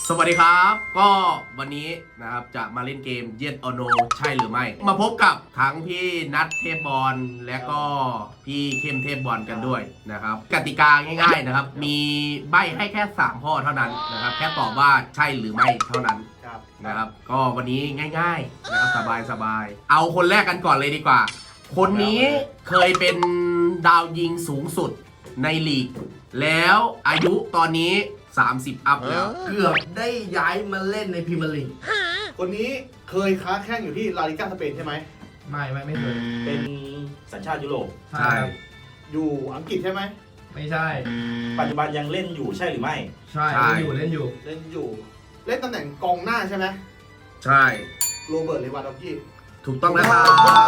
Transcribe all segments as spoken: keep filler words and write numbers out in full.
สวัสดีครับก็วันนี้นะครับจะมาเล่นเกม Yes or No ใช่หรือไม่มาพบกับทั้งพี่นัทเทพบอลและก็พี่เข้มเทพบอลกันด้วยนะครับกติกาง่ายๆนะครับมีใบ้ให้แค่สามข้อเท่านั้นนะครับแค่ตอบว่าใช่หรือไม่เท่านั้นนะครับก็วันนี้ง่ายๆนะครับสบายๆเอาคนแรกกันก่อนเลยดีกว่าคนนี้เคยเป็นดาวยิงสูงสุดในลีกแล้วอายุตอนนี้สามสิบอัพแล้วเกือบได้ย้ายมาเล่นในพรีเมียร์ลีกคนนี้เคยค้าแข่งอยู่ที่ลาลิก้าสเปนใช่ไหมไม่ไม่ไม่เคยเป็นสัญชาติยุโรปใช่อยู่อังกฤษใช่ไหมไม่ใช่ปัจจุบันยังเล่นอยู่ใช่หรือไม่ใช่เล่นอยู่เล่นอยู่เล่นอยู่เล่นตำแหน่งกองหน้าใช่ไหมใช่โรเบิร์ตเลวานดอฟสกี้ถูกต้องนะครับ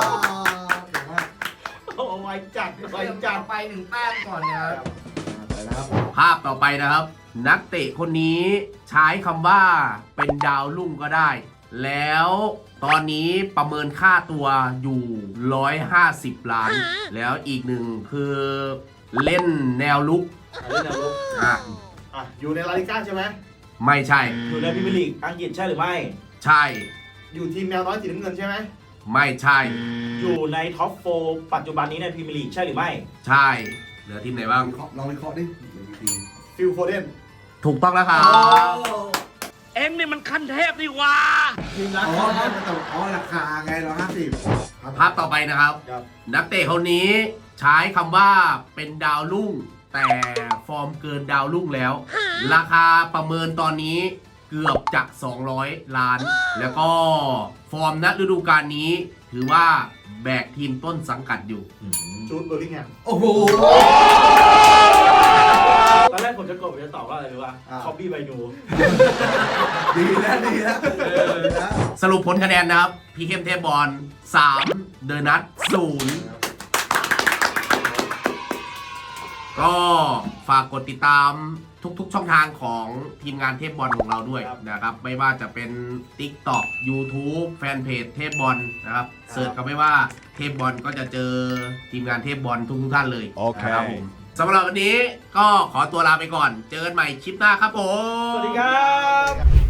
โอ้ไวจัดไวจัดไปหนึ่งแต้มก่อนนะครับไปนะครับภาพต่อไปนะครับนักเตะคนนี้ใช้คำว่าเป็นดาวรุ่งก็ได้แล้วตอนนี้ประเมินค่าตัวอยู่หนึ่งร้อยห้าสิบล้านแล้วอีกหนึ่งคือเล่นแนวลุกเล่นแนวลุกอ่ะอ่ะอยู่ในลาลิก้าใช่ไหมไม่ใช่อยู่ในพรีเมียร์ลีกอังกฤษใช่หรือไม่ใช่อยู่ทีมแมวน้อยสีน้ำเงินใช่ไหมไม่ใช่อยู่ในท็อปโฟร์ปัจจุบันนี้ในพรีเมียร์ลีกใช่หรือไม่ใช่เหลือทีมไหนบ้างลองวิเคราะห์ดิฟิลโฟเดนถูกต้องแล้วครับเอ็งนี่มันขั้นเทพนี่ว่าทีมรักอ๋อแต่อ๋อราคาไงเราห้าสิบภาพต่อไปนะครับนักเตะคนนี้ใช้คำว่าเป็นดาวรุ่งแต่ฟอร์มเกินดาวรุ่งแล้วราคาประเมินตอนนี้เกือบจะสองร้อยล้านแล้วก็ฟอร์มณฤดูกาลนี้ถือว่าแบกทีมต้นสังกัดอยู่จูดเบอร์ลิงแฮมโอ้โหตอนแรกผมจะกดผมจะตอบว่าอะไรรู้ป่ะคอบบี้ไบนูดีแล้วดีแล้วสรุปผลคะแนนนะครับพี่เข้มเทพบอลสามเดอะนัทศูนย์ก็ฝากกดติดตามทุกๆช่องทางของทีมงานเทพบอลของเราด้วยนะครับไม่ว่าจะเป็น TikTok YouTube แฟนเพจเทพบอลนะครับเสิร์ชกันไม่ว่าเทพบอลก็จะเจอทีมงานเทพบอลทุกๆท่านเลยโอเคครับผมสำหรับวันนี้ก็ขอตัวลาไปก่อนเจอกันใหม่คลิปหน้าครับผมสวัสดีครับ